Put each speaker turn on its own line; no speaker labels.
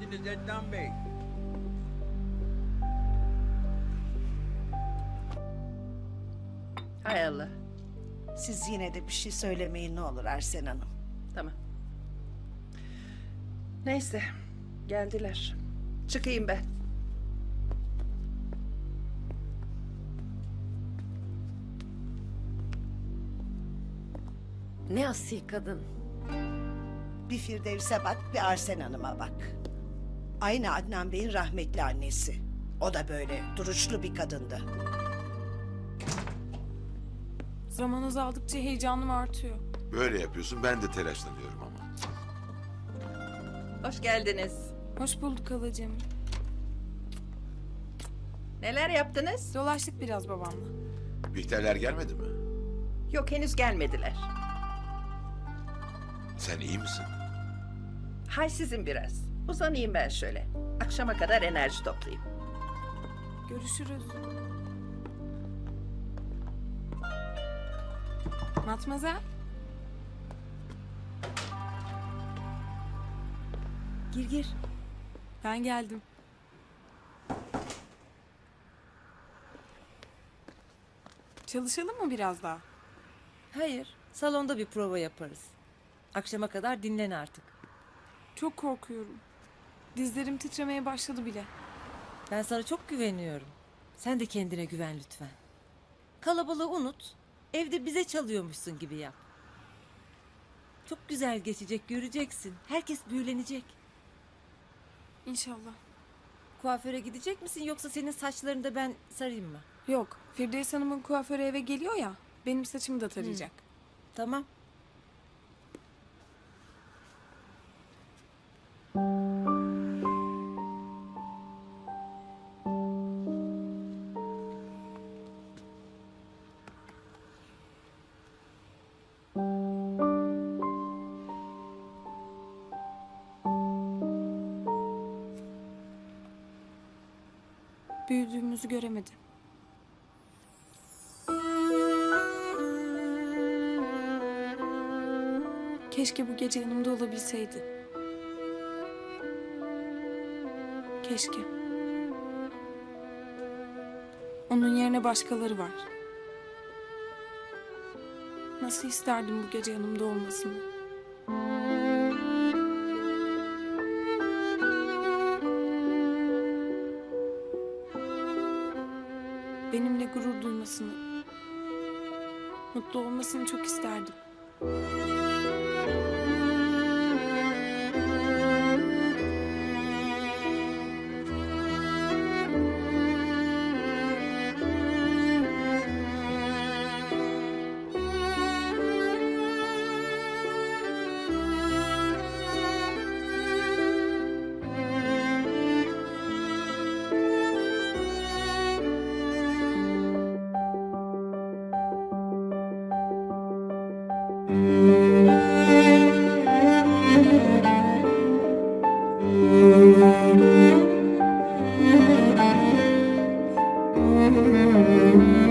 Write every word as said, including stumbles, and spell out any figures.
geldiniz Ednan Bey.
Hay Allah.
Siz yine de bir şey söylemeyin ne olur Arsen Hanım.
Tamam. Neyse. Geldiler. Çıkayım ben.
Ne asil kadın.
Bir Firdevs'e bak, bir Arsen Hanım'a bak. Aynı Adnan Bey'in rahmetli annesi. O da böyle duruşlu bir kadındı.
Zaman azaldıkça heyecanım artıyor.
Böyle yapıyorsun, ben de telaşlanıyorum ama.
Hoş geldiniz.
Hoş bulduk halacığım.
Neler yaptınız?
Dolaştık biraz babamla.
Bihterler gelmedi mi?
Yok, henüz gelmediler.
Sen iyi misin?
Hay sizin biraz. Uzanayım ben şöyle. Akşama kadar enerji toplayayım.
Görüşürüz. Matmazel. Gir gir. Ben geldim. Çalışalım mı biraz daha?
Hayır, salonda bir prova yaparız. Akşama kadar dinlen artık.
Çok korkuyorum. Dizlerim titremeye başladı bile.
Ben sana çok güveniyorum. Sen de kendine güven lütfen. Kalabalığı unut. Evde bize çalıyormuşsun gibi yap. Çok güzel geçecek, göreceksin. Herkes büyülenecek.
İnşallah.
Kuaföre gidecek misin yoksa senin saçlarını da ben sarayım mı?
Yok, Firdevs Hanım'ın kuaförü eve geliyor ya. Benim saçımı da tarayacak.
Tamam.
Büyüdüğümüzü göremedi. Keşke bu gece yanımda olabilseydi. Keşke. Onun yerine başkaları var. Nasıl isterdim bu gece yanımda olmasını. Benimle gurur duymasını, mutlu olmasını çok isterdim.
Thank you.